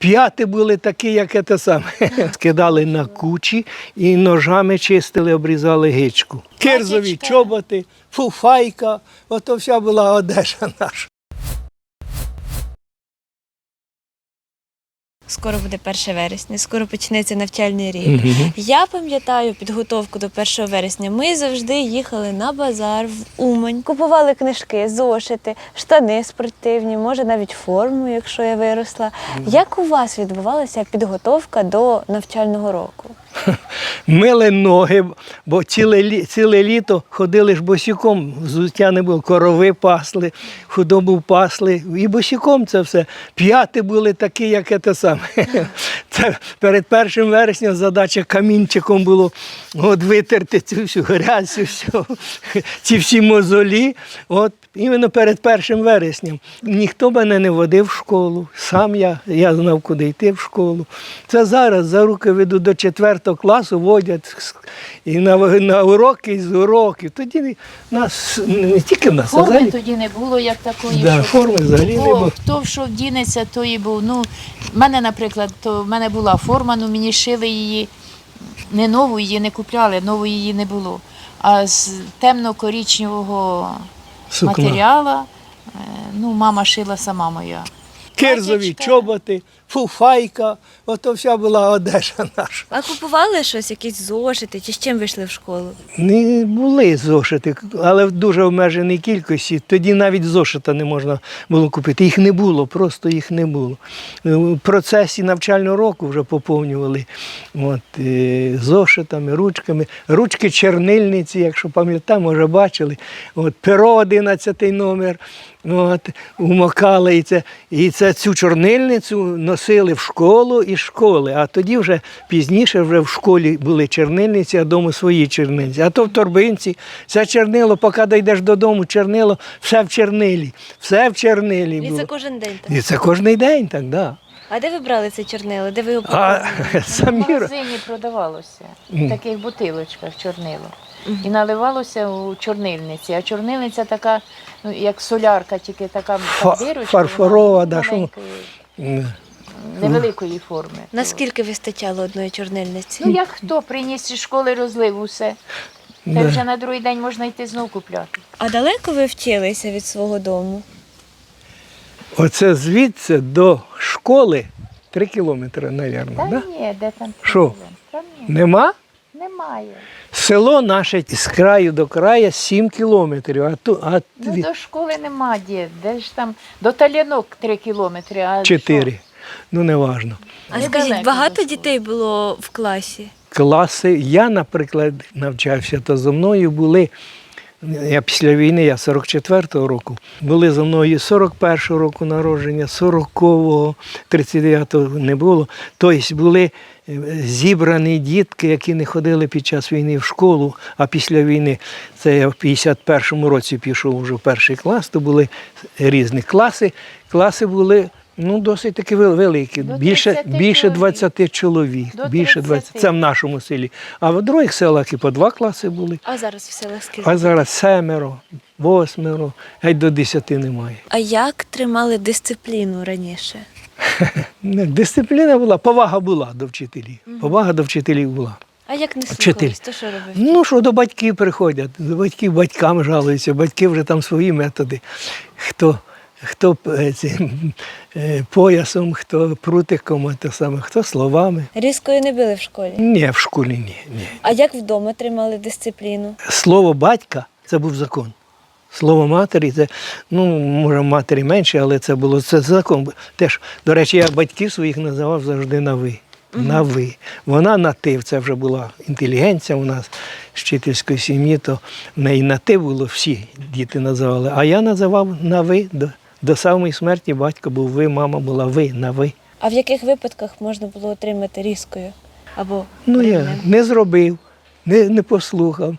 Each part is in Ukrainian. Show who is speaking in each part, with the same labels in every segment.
Speaker 1: П'яти були такі, як це саме. Скидали на кучі і ножами чистили, обрізали гичку. Кирзові чоботи, фуфайка, ото вся була одежа наша.
Speaker 2: Скоро буде 1 вересня, скоро почнеться навчальний рік. Я пам'ятаю підготовку до 1 вересня. Ми завжди їхали на базар в Умань. Купували книжки, зошити, штани спортивні, може навіть форму, якщо я виросла. Як у вас відбувалася підготовка до навчального року?
Speaker 1: Мили ноги, бо ціле літо ходили ж босиком, взуття не було, корови пасли, худобу пасли, і босиком це все. П'яти були такі, як це саме. Це перед 1 вересня задача камінчиком було витерти цю всю грязь, ці всі мозолі. Іменно перед 1 вересням. Ніхто мене не водив в школу, сам я знав, куди йти в школу. Це зараз за руки веду до 4 класу, водять і на уроки, і з уроків. Тоді нас, не тільки в нас,
Speaker 3: форми
Speaker 1: взагалі.
Speaker 3: тоді не було, як такої,
Speaker 1: Да, форми взагалі не було.
Speaker 3: Хто що вдінеться, то і був. Ну, в мене, наприклад, в мене була форма, ну мені шили її, не нову її не купляли, нової її не було. А з темно-коричневого матеріалу, ну, мама шила сама моя.
Speaker 1: Кирзові чоботи, фуфайка, ото вся була одежа наша.
Speaker 2: А купували щось, якісь зошити, чи з чим вийшли в школу?
Speaker 1: Не були зошити, але в дуже обмеженій кількості. Тоді навіть зошита не можна було купити. Їх не було, просто їх не було. В процесі навчального року вже поповнювали зошитами, ручками. Ручки чернильниці, якщо пам'ятаєте, може бачили. Перо 11 номер. Умокали і цю чорнильницю носили в школу і школи. А тоді вже пізніше вже в школі були чернильниці, а вдома свої чернильниці. А то в торбинці, все чернило, поки дійдеш додому, чернило, все в чернилі. Все в чернилі було.
Speaker 2: І це кожен день так?
Speaker 1: І це кожен день так, да.
Speaker 2: А де ви брали це чорнило? Де ви його
Speaker 3: В
Speaker 1: Самі
Speaker 3: магазині продавалося, в таких бутилочках чорнило. І наливалося у чорнильниці. А чорнильниця така, ну, як солярка, тільки така дирочка.
Speaker 1: фарфорова, да,
Speaker 3: невеликої форми.
Speaker 2: Наскільки вистачало одної чорнильниці?
Speaker 3: Ну, як хто приніс із школи, розлив усе. Та вже на другий день можна йти знов купляти.
Speaker 2: А далеко ви вчилися від свого дому?
Speaker 1: Оце звідси до школи 3 кілометри, мабуть,
Speaker 3: Та
Speaker 1: да?
Speaker 3: ні, де там?
Speaker 1: Що?
Speaker 3: Та ні,
Speaker 1: Нема?
Speaker 3: немає.
Speaker 1: Село наше з краю до краю 7 кілометрів.
Speaker 3: Ну, до школи нема де ж там, до Талянок 3 кілометри, а
Speaker 1: 4. Ну, не важно.
Speaker 2: А
Speaker 3: Недалеко
Speaker 2: скажіть, багато
Speaker 3: до школи.
Speaker 2: дітей було в класі?
Speaker 1: Класи, я, наприклад, навчався, то зо мною були, я після війни, я 44-го року, були зо мною 41-го року народження, 40-го, 39-го не було. Тобто були зібрані дітки, які не ходили під час війни в школу, а після війни, це я в 51-му році пішов вже в 1 клас, то були різні класи. Класи були досить таки великі, більше 20 чоловік.
Speaker 3: До
Speaker 1: Більше 20. Це в нашому селі. А в других селах і по 2 класи були.
Speaker 2: А зараз в селах скільки?
Speaker 1: А зараз 7, 8, геть до 10 немає.
Speaker 2: А як тримали дисципліну раніше?
Speaker 1: Дисципліна була, повага була до вчителів. Повага до вчителів була.
Speaker 2: А як не
Speaker 1: Вчитель.
Speaker 2: слухались, то що робив?
Speaker 1: Ну, що до батьків приходять, до батьків батькам жалуються, батьки вже там свої методи. Хто поясом, хто прутиком, хто словами.
Speaker 2: Різкою не били в школі?
Speaker 1: Ні, в школі ні.
Speaker 2: А як вдома тримали дисципліну?
Speaker 1: Слово батька – це був закон. Слово матері – це, може, матері менше, але це закон. Теж, до речі, я батьків своїх називав завжди на «ви». На «ви». Вона на «ти», це вже була інтелігенція у нас з вчительської сім'ї, то в неї на «ти» було, всі діти називали. А я називав на «ви». До самої смерті батько був «ви», мама була «ви», на «ви».
Speaker 2: А в яких випадках можна було отримати різкою? Або
Speaker 1: Я не зробив, не послухав.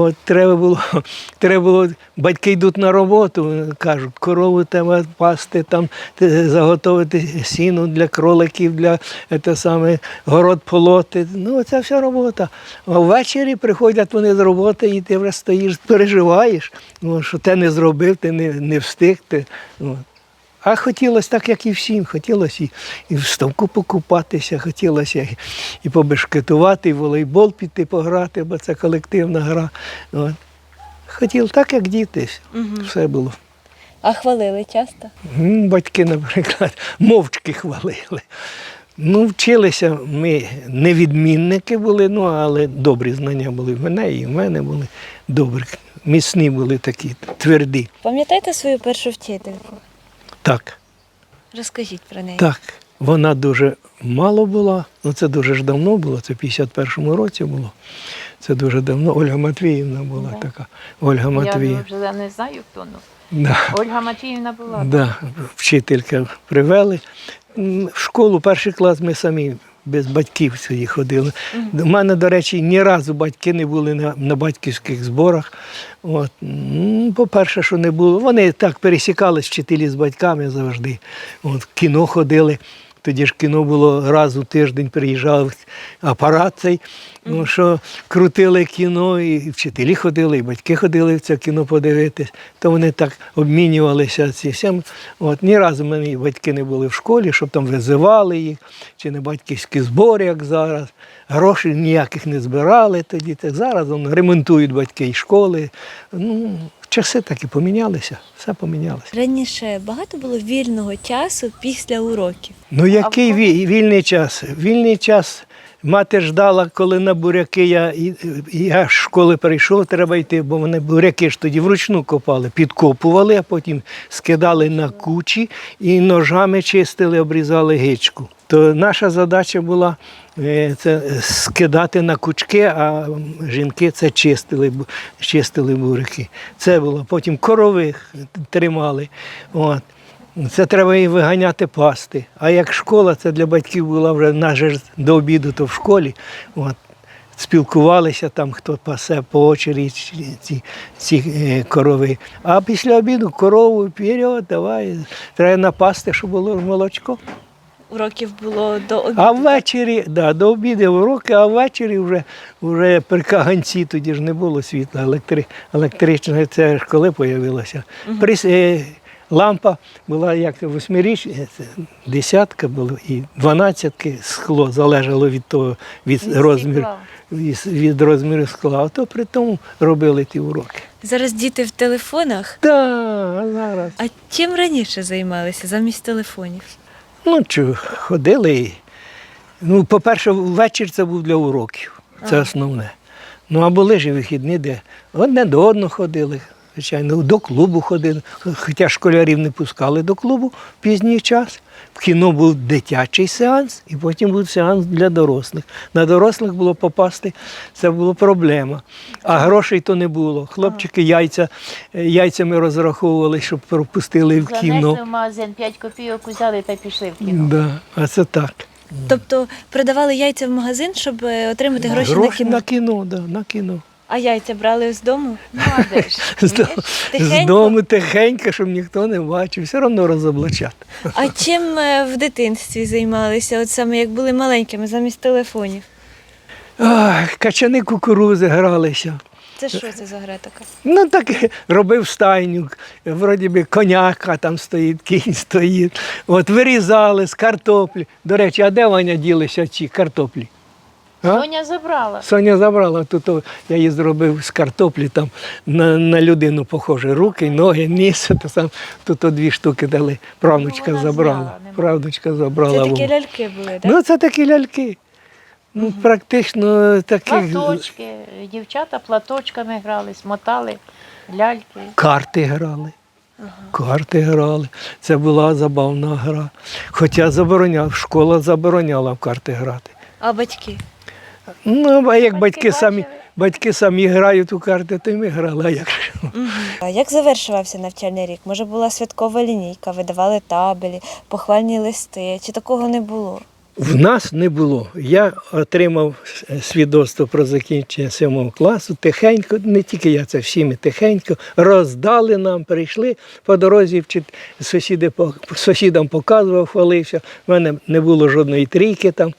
Speaker 1: Треба було, батьки йдуть на роботу, кажуть, корову треба пасти, там, заготовити сіно для кроликів, для город полоти. Це вся робота. А ввечері приходять вони з роботи, і ти вже стоїш, переживаєш, що ти не зробив, ти не встиг. А хотілося так, як і всім. Хотілося і в ставку покупатися, хотілося і побешкетувати, і в волейбол піти пограти, бо це колективна гра. От. Хотів так, як діти. Все було.
Speaker 2: А хвалили часто?
Speaker 1: Батьки, наприклад, мовчки хвалили. Ну, вчилися ми, не відмінники були, ну, але добрі знання були в мене і в мене були добрі. Міцні були такі, тверді.
Speaker 2: Пам'ятаєте свою першу вчительку?
Speaker 1: Так,
Speaker 2: Розкажіть про неї.
Speaker 1: так. Вона дуже мало була, ну це дуже ж давно було, це в 51-му році було. Це дуже давно. Ольга Матвіївна була така. Ольга Матвіївна.
Speaker 3: Я вже не знаю, хто.
Speaker 1: Да.
Speaker 3: Ольга Матвіївна була.
Speaker 1: Да, вчителька привели. В школу, перший клас ми самі без батьків сюди ходили. У мене, до речі, ні разу батьки не були на батьківських зборах. От. По-перше, що не було. Вони так пересікались, вчителі з батьками завжди. От, в кіно ходили. Тоді ж кіно було раз у тиждень, приїжджав апарат цей, ну, що крутили кіно, і вчителі ходили, і батьки ходили в це кіно подивитись. То вони так обмінювалися всім. От, ні разу мені батьки не були в школі, щоб там визивали їх, чи не батьківські збори, як зараз. Грошей ніяких не збирали тоді. Так зараз ремонтують батьки і школи. Ну, часи так і помінялися, все помінялося.
Speaker 2: Раніше багато було вільного часу після уроків.
Speaker 1: Ну який вільний час? Вільний час мати ждала, коли на буряки я з школи прийшов, треба йти, бо вони буряки ж тоді вручну копали, підкопували, а потім скидали на кучі і ножами чистили, обрізали гичку. То наша задача була це скидати на кучки, а жінки це чистили буряки. Це було. Потім корових тримали. От. Це треба і виганяти пасти. А як школа, це для батьків була вже наже до обіду, то в школі. От. Спілкувалися там, хто пасе по очереді ці корови. А після обіду корову вперед, давай, треба напасти, щоб було молочко.
Speaker 2: Уроків було до обіду.
Speaker 1: А ввечері, да, до обіду уроки, а ввечері вже при каганці, тоді ж не було світла, електричного, це ж коли з'явилося. Лампа була як 8-річна, десятка була і 12-ки скло, залежало від того, від розміру скла. А то при тому робили ті уроки.
Speaker 2: Зараз діти в телефонах.
Speaker 1: Так, зараз.
Speaker 2: А чим раніше займалися замість телефонів?
Speaker 1: Ну, ходили. Ну, по-перше, ввечері це був для уроків. Це основне. Ну, а були ж і вихідні, де одне до одного ходили, звичайно, до клубу ходили. Хоча школярів не пускали до клубу в пізній час. В кіно був дитячий сеанс, і потім був сеанс для дорослих. На дорослих було попасти, це була проблема. А грошей то не було. Хлопчики яйцями розраховували, щоб пропустили в кіно.
Speaker 3: Занесли в магазин, 5 копійок взяли та пішли в кіно.
Speaker 1: Да, а це так.
Speaker 2: Тобто продавали яйця в магазин, щоб отримати гроші
Speaker 1: На кіно, да, на кіно.
Speaker 2: А яйця брали з дому?
Speaker 3: Ну, а де ж?
Speaker 1: З дому тихенько, щоб ніхто не бачив, все одно розоблачати.
Speaker 2: А чим в дитинстві займалися, от саме як були маленькими, замість телефонів?
Speaker 1: Качани кукурузи гралися.
Speaker 2: Це що це за гра така?
Speaker 1: Ну так робив стайню, вроді би коняка там стоїть, кінь стоїть. От вирізали з картоплі. До речі, а де Ваня ділися ці картоплі?
Speaker 3: Соня забрала.
Speaker 1: Соня забрала, тут я її зробив з картоплі, там на людину похоже, руки, ноги, ніс, тут 2 штуки дали, правнучка забрала. Правнучка забрала.
Speaker 2: Це такі ляльки були, так?
Speaker 1: Ну це такі ляльки. Ну, практично такі.
Speaker 3: Платочки, дівчата платочками грали, смотали ляльки.
Speaker 1: Карти грали. Карти грали. Це була забавна гра. Хоча школа забороняла в карти грати.
Speaker 2: А батьки?
Speaker 1: Ну, а як
Speaker 3: Батьки
Speaker 1: батьки самі грають у карти, то й ми грали, а як ж.
Speaker 2: А як завершувався навчальний рік? Може, була святкова лінійка, видавали табелі, похвальні листи, чи такого не було?
Speaker 1: В нас не було. Я отримав свідоцтво про закінчення 7 класу, тихенько, не тільки я, це всі ми тихенько, роздали нам, прийшли по дорозі, сусідам показував, хвалився, в мене не було жодної трійки там.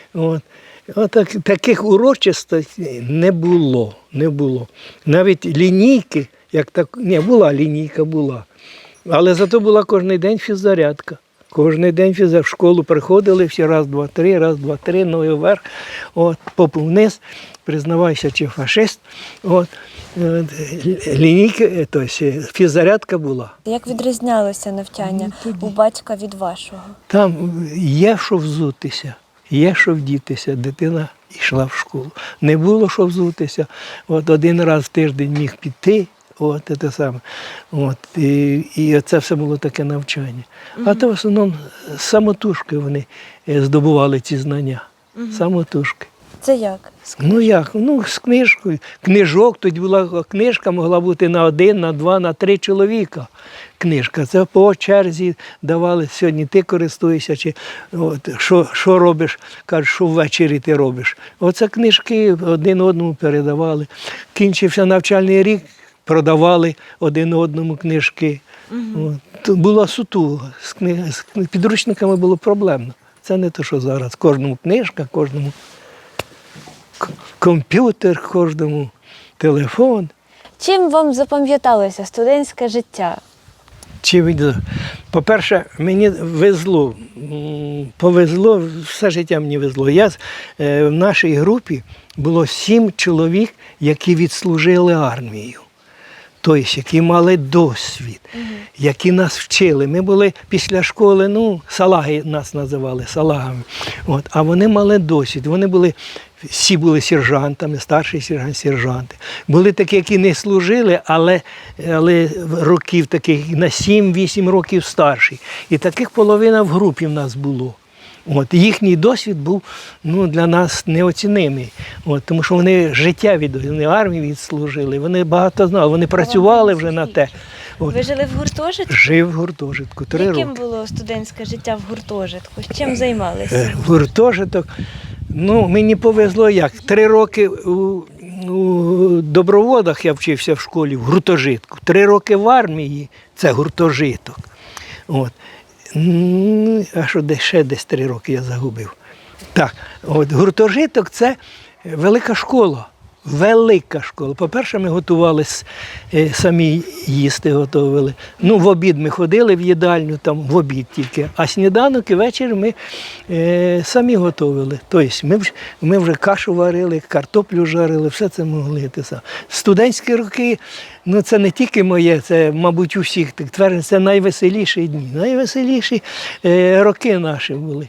Speaker 1: Таких урочистостей не було. Навіть лінійки, була лінійка, була. Але зато була кожен день фіззарядка. Кожен день в школу приходили, всі раз, два, три, ноги вверх, от, попу вниз, признавайся, чи фашист. От, лінійки, тобто фіззарядка була.
Speaker 2: Як відрізнялося навчання у батька від вашого?
Speaker 1: Там є що взутися, є що вдітися. Дитина йшла в школу. Не було що взутися. От один раз в тиждень міг піти. От це саме. От, і це все було таке навчання. А то в основному самотужки вони здобували ці знання. Самотужки.
Speaker 2: Це як?
Speaker 1: Ну як? Ну, з книжкою. Книжок, тоді була книжка, могла бути на 1, на 2, на 3 чоловіка. Книжка. Це по черзі давали. Сьогодні ти користуєшся, чи от, що робиш, кажуть, що ввечері ти робиш. Оце книжки один одному передавали. Кінчився навчальний рік, продавали один одному книжки. От. Була сутуга. З підручниками було проблемно. Це не те, що зараз. Кожному книжка, кожному комп'ютер, кожному телефон.
Speaker 2: Чим вам запам'яталося студентське життя?
Speaker 1: По-перше, мені везло, повезло, все життя мені везло. В нашій групі було 7 чоловік, які відслужили армію. Тобто, які мали досвід, які нас вчили. Ми були після школи, салаги нас називали, салагами. От, а вони мали досвід. Всі були сержантами, старший сержант, сержанти. Були такі, які не служили, але років таких на 7-8 років старші. І таких половина в групі в нас було. От, їхній досвід був для нас неоцінимий, тому що вони життя вони армії відслужили, вони багато знали, вони працювали вже на те.
Speaker 2: Ви жили в гуртожитку?
Speaker 1: Жив в гуртожитку 3 роки.
Speaker 2: Яким було студентське життя в гуртожитку? Чим займалися?
Speaker 1: Гуртожиток, мені повезло як. 3 роки у доброводах я вчився в школі, в гуртожитку. 3 роки в армії – це гуртожиток. От. А що ще десь 3 роки я загубив. Так, от гуртожиток – це велика школа. Велика школа. По-перше, ми готувалися, самі їсти готували. В обід ми ходили в їдальню, там в обід тільки, а сніданок і вечір ми самі готували. Тобто ми вже кашу варили, картоплю жарили, все це могли. Студентські роки, це не тільки моє, це, мабуть, у всіх, це найвеселіші дні, найвеселіші роки наші були.